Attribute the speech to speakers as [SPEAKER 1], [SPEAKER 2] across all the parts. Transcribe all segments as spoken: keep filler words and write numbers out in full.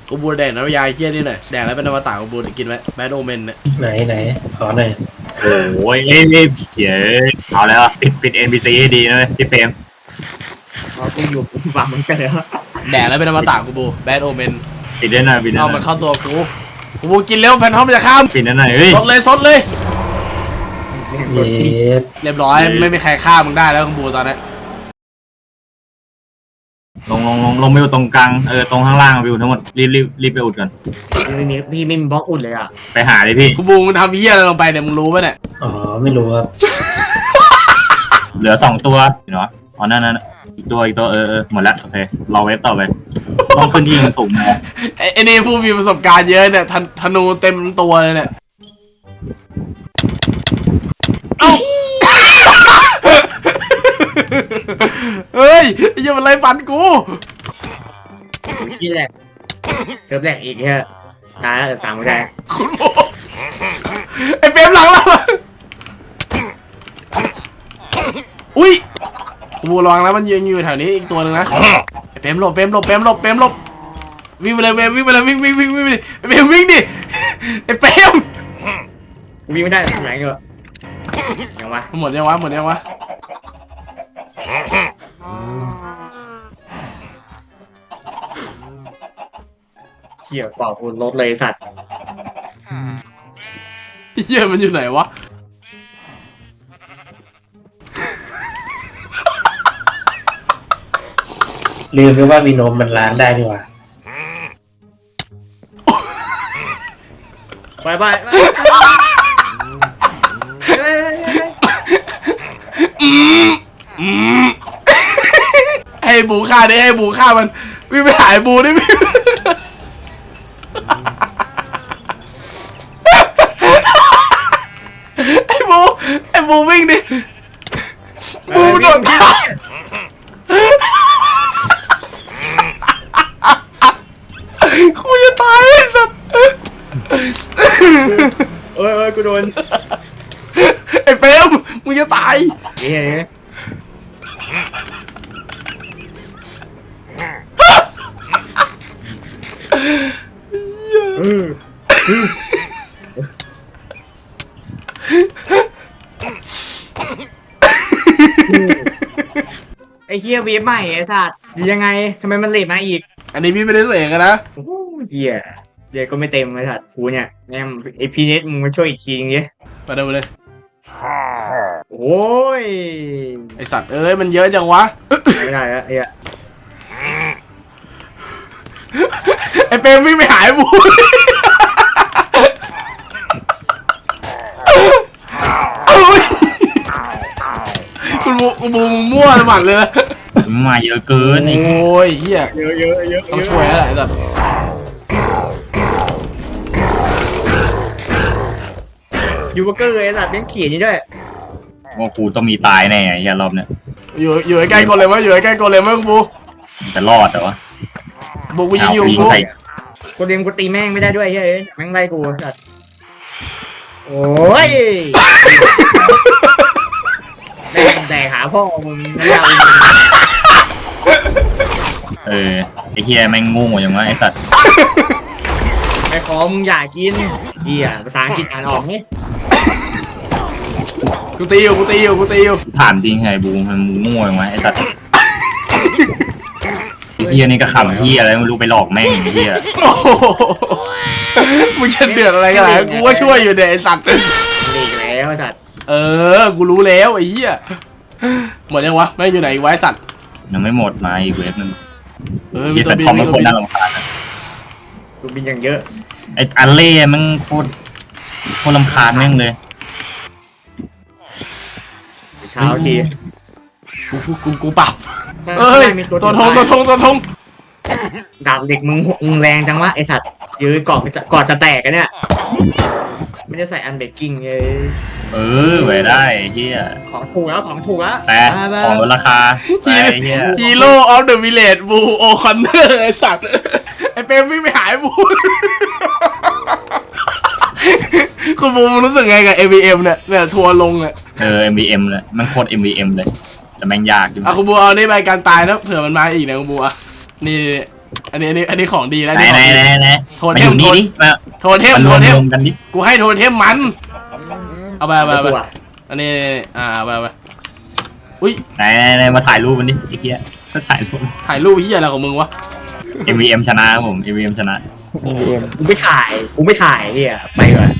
[SPEAKER 1] กูบูแดกน้ำยาเคี้ยนี่หน่อยแดกแล้วเป็นอมตะกูบูกินไหมแบดโอเมนเนี่ย
[SPEAKER 2] ไหนไหนขอหน่อย
[SPEAKER 3] โอ้ยเอ้ยเจ๋อเอาแล้วปิดปิด เอ็น พี ซี ให้ดีนะพี่เปรม
[SPEAKER 4] เรากูอยู่กูฟังมันกันแล้ว
[SPEAKER 1] แดกแล้วเป็นอมตะกูบูแบดโอเมน
[SPEAKER 3] ปิดได้หน่อยปิดได้หน่อย
[SPEAKER 1] เอามันเข้าตัวกูกูบูกินเร็วแฟนทอมจะข้าม
[SPEAKER 3] ปิดได้หน่อยเฮ้ย
[SPEAKER 1] สดเลยสดเลย
[SPEAKER 2] เย็ด
[SPEAKER 1] เรียบร้อยไม่มีใครฆ่ามึงได้แล้วกูบูตอนนี้
[SPEAKER 3] ลงลงลงลงไปอยู่ตรงกลางเออตรงข้างล่างไปอยู่ทั้งหมดรีบรีบรีบไปอุดก่อน
[SPEAKER 4] พี่นี่พี่ไม่มีบล็อกอุดเลยอ่ะ
[SPEAKER 3] ไปหาเลยพี่
[SPEAKER 1] กูบูมึงทำเหี้ยอะไรลงไปเนี่ยมึงรู้ป่ะเนี่ย
[SPEAKER 2] อ๋อไม่รู้ครับ
[SPEAKER 3] เหลือสองตัวเนาะอ๋อนั่นนั่นอีกตัวอีกตัวเออเออหมดแล้วโอเครอเวฟต่อไปต้องขึ้นที่สูงนะ
[SPEAKER 1] ไอ้นี่ผู้มีประสบการณ์เยอะเนี่ยธนูเต็มตัวเลยเนี่ยเอ้าเฮ้ยอย่ามาไล่ฟันกู
[SPEAKER 4] ที่แรกเซิร์ฟแรกอีกแค่ตายแล้วสามคนได้
[SPEAKER 1] คุณโมไอ้เปรมหลังเราอุ้ยกูระวังแล้วมันยืนอยู่แถวนี้อีกตัวนึงนะไอ้เปรมหลบเปรมหลบเปรมหลบเปรมหลบวิ่งไปเลยเปรมวิ่งไปเลยวิ่งวิ่งวิ่งวิ่งดิไอ้เปรมวิ่งดิไอ้เปรม
[SPEAKER 4] วิ่งไม่ได้ทำไงก็ยังวะ
[SPEAKER 1] หมดยังวะหมดยังวะ
[SPEAKER 4] เขี่ยเปล่าคุณรถเลยสัตว์
[SPEAKER 1] เหี้ยมันอยู่ไหนวะ
[SPEAKER 2] ลืมไปว่ามีนมมันล้างได้ดีกว่า
[SPEAKER 4] ไปไปไป
[SPEAKER 1] ให้บูฆ่าได้ให้บูฆ่ามันวิ่งไปหายบูได้วิ่งไอ้บูไอ้บูวิ่งดิบูโดนฆ่ากูจะตายไอ้สัส
[SPEAKER 4] เอ้ยเอ้ยกูโดน
[SPEAKER 1] ไอ้เปรมมึงจะตาย
[SPEAKER 4] เฮ้ยไอ้เฮียเวฟใหม่ไอ้สัตว์ยังไงทำไมมันเลทมาอีก
[SPEAKER 1] อันนี้พี่ไม่ได้เสกนะ
[SPEAKER 4] เฮียเฮียก็ไม่เต็มไอ้สัตว์กูเนี่ยแม่ไอพีเน็ตมึงมาช่วยอีกทีนึงดิ
[SPEAKER 1] มาดูเลย
[SPEAKER 4] โอ้ย
[SPEAKER 1] ไอสัตว์เอ้ยมันเยอะจังวะ
[SPEAKER 4] ไม่ได้แล้วไอ้อะ
[SPEAKER 1] ไอเปรมวิ่งไปหายบูคุณบูคุณบูมั่วหมัดเลยนะ
[SPEAKER 3] มาเยอะเกิน
[SPEAKER 1] โอ้ยเฮีย
[SPEAKER 4] เยอะเยอะเยอะ
[SPEAKER 1] ต้องช่วยอะไรสัตว์
[SPEAKER 4] ยูเบอร์เกอร์ไอ้สัตว์เลี้ยงขี่นี่ด้วย
[SPEAKER 3] ว่ากูต้องมีตายแน่ไอ้รอบเนี้ย
[SPEAKER 1] อยู่อยู่ใกล้ๆกดเลยมั้ยอยู่ใกล้ๆกดเลยมั้ยคุณบู
[SPEAKER 3] จะรอดเหรอวะ
[SPEAKER 1] บูกูยิงอยู่
[SPEAKER 4] กูกูเลี้ยงกูตีแม่งไม่ได้ด้วยเฮ้ยแม่งไล่กูสัตว์โอ้ยแม่งแต่หาพ่อมึงไม่เอา
[SPEAKER 3] เออไอ้เฮียแม่งงูอย่างวะไอ้สัตว์
[SPEAKER 4] ไอ้ของมึงอยากกินเฮียภาษาอังกฤษอ่านออกนี่
[SPEAKER 1] กูตีอยู่กูตีอยู่กูตีอยู่
[SPEAKER 3] ถามจริงไงบูมันมูงูอย่างวะไอ้สัตว์ไอ้เฮียนี่ก็ขำเฮียอะไรไม่รู้ไปหลอกแม่งไอ้เฮีย
[SPEAKER 1] มึงจะเดือดอะไรกันล่ะกูว่าช่วยอยู่เด็กไอ้สัตว์
[SPEAKER 4] หลีกแล้วไอ้สัตว์
[SPEAKER 1] เออกูรู้แล้วไอ้เหี้ยหมดยังวะไม่อยู่ไหนอีกไว้สัตว์
[SPEAKER 3] ยังไม่หมดมาอีกเวฟนึง
[SPEAKER 1] เออ
[SPEAKER 3] มีแฟนทอมเป็นคนน่ารำคาญ
[SPEAKER 4] กูบินอย่างเยอะ
[SPEAKER 3] ไอ้อัลเล่มันโคตรโคตรรำคาญแม่งเลย
[SPEAKER 4] เช้าที
[SPEAKER 1] กูกูกูปรับเอ้ยตัวทงตัวทงตัวทง
[SPEAKER 4] ดาบเด็กมึงมึงแรงจังวะไอสัตว์ยืนกอดจะกอดจะแตกกันเนี่ยไม่ได้ใส่อันเบกกิ้งเลย
[SPEAKER 3] เออไว้ได้เฮีย
[SPEAKER 4] ของถูกแล้วของถูกแล้ว
[SPEAKER 3] แต่ของลดราคาไอ้เฮีย
[SPEAKER 1] ฮีโร่ออฟเดอะวิลเลจบูโอคอนเนอร์ไอสัตว์ไอเปรมวิ่งไปหายบูคุณบูรู้สึกไงกับ เอ็ม วี เอ็ม เนี่ยเนี่ยทัวร์ลงอ่ะ
[SPEAKER 3] เออ เอ็ม วี เอ็ม เลยมันโคตร เอ็ม วี เอ็ม เลยแต่แม่งยากจริง
[SPEAKER 1] อ่ะคุณบูเอานี่ใบการตายนะเผื่อมันมาอีกนะคุณบูอ่ะนี่อันนี้อันนี้อันนี้ของดีแล้ว
[SPEAKER 3] ไหน
[SPEAKER 1] นี่
[SPEAKER 3] ไหนไหนไหน
[SPEAKER 1] โทน
[SPEAKER 3] มา
[SPEAKER 1] เท
[SPEAKER 3] อ
[SPEAKER 1] ม
[SPEAKER 3] ยู่นี่ดิมา
[SPEAKER 1] โทนเทม
[SPEAKER 3] มาร
[SPEAKER 1] โท
[SPEAKER 3] วม
[SPEAKER 1] นเทม
[SPEAKER 3] รวมกันดิ
[SPEAKER 1] กูให้โทนเทมมันเอาไปเอาไปเอาไป
[SPEAKER 4] ตัว
[SPEAKER 1] อันนี้อ่าเอาไปเอาไปอุ้ย
[SPEAKER 3] ไหนไหนไหนมาถ่ายรูปมันดิไอ้เหี้ยก็ถ่ายรูป
[SPEAKER 1] ถ่ายรูปเฮียอะไรของมึงวะ
[SPEAKER 3] เอ็มวีเอ็มชนะครับผม เอ็มวีเอ็มชนะ
[SPEAKER 4] กูไม่ถ่ายกูไม่ถ่ายเฮียไปก่อน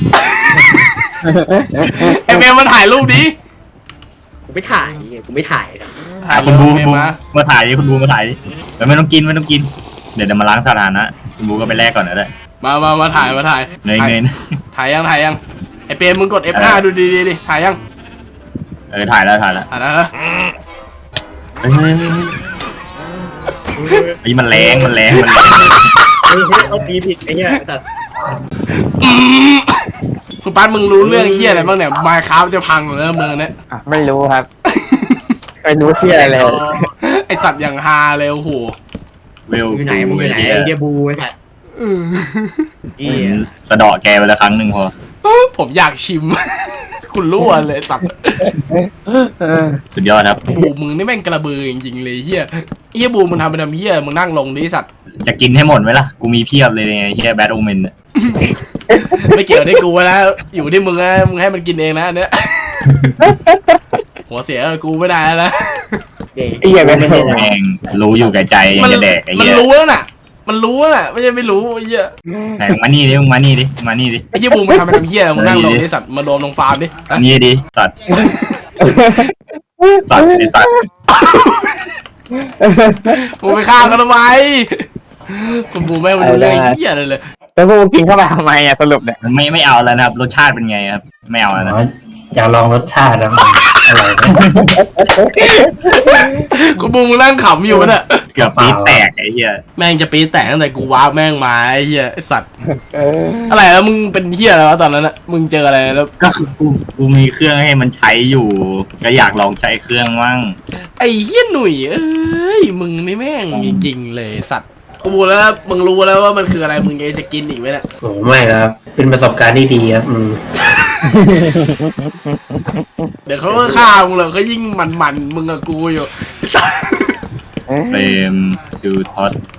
[SPEAKER 1] เอ็มเอ็มมาถ่ายรูปดิ
[SPEAKER 4] กูไม่ถ่ายเฮียกูไม่ถ่ายนะ
[SPEAKER 1] ถ่าย
[SPEAKER 3] อ่ะคุณบู
[SPEAKER 1] เอ็
[SPEAKER 3] คุณ
[SPEAKER 1] ม
[SPEAKER 3] บู
[SPEAKER 1] มา
[SPEAKER 3] มาถ่ายดิคุณบูมาถ่ายดิเดี๋ยวไม่ต้องกินไม่ต้องกิน เดี๋ยวเดี๋ยวมาล้างสถานะคุณบูก็ไปแลกก่อนนะได้
[SPEAKER 1] มามามาถ่ายมาถ่าย
[SPEAKER 3] เงยเงย
[SPEAKER 1] ถ่ายยังถ่ายยังไอเปรมมึงกด เอฟ ห้า ดูดีๆดิถ่ายยัง
[SPEAKER 3] เออถ่ายแล้วถ่ายแล้ว
[SPEAKER 1] ถ่ายแล้วนะ
[SPEAKER 3] เฮ้ยเฮ้ยเฮ้ยเฮ้ยไอ้มันแรงมันแรงมันแรง
[SPEAKER 4] เฮ้ยเฮ้ยเอาตีผิดไอ้เฮียสัตว์
[SPEAKER 1] อืมคุณป้ามึงรู้เรื่องเฮียอะไรบ้างเนี่ยไมค์ครับจะพังเลยมึงเนี่ย
[SPEAKER 5] อ่ะไม่รู้ครับ ไม่รู้ที่อะไรเลย
[SPEAKER 1] ไอสัตว์อย่างฮาเลยโอ้โห
[SPEAKER 3] เวล
[SPEAKER 4] อยู่ไหนมึงอยู่ไหนไอ้เฮียบูไอ้สัตว์เฮีย
[SPEAKER 3] สะเดาะแกไปละครั้งหนึ่งพอ
[SPEAKER 1] ผมอยากชิม คุณรั่วเลยสัตว์
[SPEAKER 3] สุดยอดครับ
[SPEAKER 1] บูมึงนี่แม่งกระเบือจริงๆเลยเฮียเฮียบูมึงทำเป็นทำเฮียมึงนั่งลงดิสัตว์
[SPEAKER 3] จะกินให้หมดไหมล่ะ กูมีเพียบเลยไงเฮียแบทโอเมน
[SPEAKER 1] ไม่เกี่ยวได้กูนะอยู่ที่มึงนะมึงให้มันกินเองนะอันเนี้ยหัวเสียกับกูไม่ได้แล้วนะ
[SPEAKER 4] เด็ก
[SPEAKER 5] ไอ้เหี้ยแม่ง
[SPEAKER 4] ไม่ใช่
[SPEAKER 3] แม่งรู้อยู่แก่ใจยังจะแดกไอ้
[SPEAKER 1] มัน
[SPEAKER 3] เหี้ย
[SPEAKER 1] รู้แล้วน่ะ มันรู้แล้วน่ะไม่ใช่ไม่รู้ไอ้เหี้ย
[SPEAKER 3] ไหนมึงมานี่ดิมึงมานี่ดิมึงมานี่ดิ
[SPEAKER 1] ไอ้เหี้ยบูมมันทำเป็นทำเหี้ยอะไรมึงนั่งลงดิสัตว์มารวมลงฟาร์มดิ
[SPEAKER 3] มานี่ดิสัตว์สัตว์ไอสัตว์
[SPEAKER 1] มึงไปฆ่ากันทำไมคุณบูมแม่งมันรู้เรื่องไอ้เหี้ยเลยเลย
[SPEAKER 5] แล้วพวกกูกินเข้าไปทำไมอ่ะสรุปเนี่ย
[SPEAKER 3] ไม่ไม่เอาแล้วนะครับรสชาติเป็นไงครับ ไม่เอาแล้วนะ
[SPEAKER 2] อ๋ออยากลองรสชาตินะมันอร่อยไหม
[SPEAKER 1] คุณบูมมึงนั่งขำอยู่น่ะ
[SPEAKER 3] เกือบปี๊ดแตกไอ้เหี้ย
[SPEAKER 1] แม่งจะปีแตกตั้งแต่กูว้าร์ปแม่งมาไอ้เหี้ยไอ้สัตว์
[SPEAKER 5] เออ
[SPEAKER 1] อะไรแล้วมึงเป็นเหี้ยอะไรวะตอนนั้นน่ะมึงเจออะไรแล้ว
[SPEAKER 3] ก็คือกูกูมีเครื่องให้มันใช้อยู่ ก็อยากลองใช้เครื่องมั่ง
[SPEAKER 1] ไอ้เหี้ยหนุ่ยเอ้ยมึงนี่แม่งจริงๆเลยสัตว์กูรู้แล้วมึงรู้แล้วว่ามันคืออะไรมึงยังจะกินอีกไหมเนี่ย
[SPEAKER 2] โอ้ไม่ครับ เป็นประสบการณ์ที่ดีครับอืม
[SPEAKER 1] เดี๋ยวเขาก็ฆ่ามึงเลยเขายิ่งมันๆมึงกับกูอยู่
[SPEAKER 3] เฟรมทูท็อต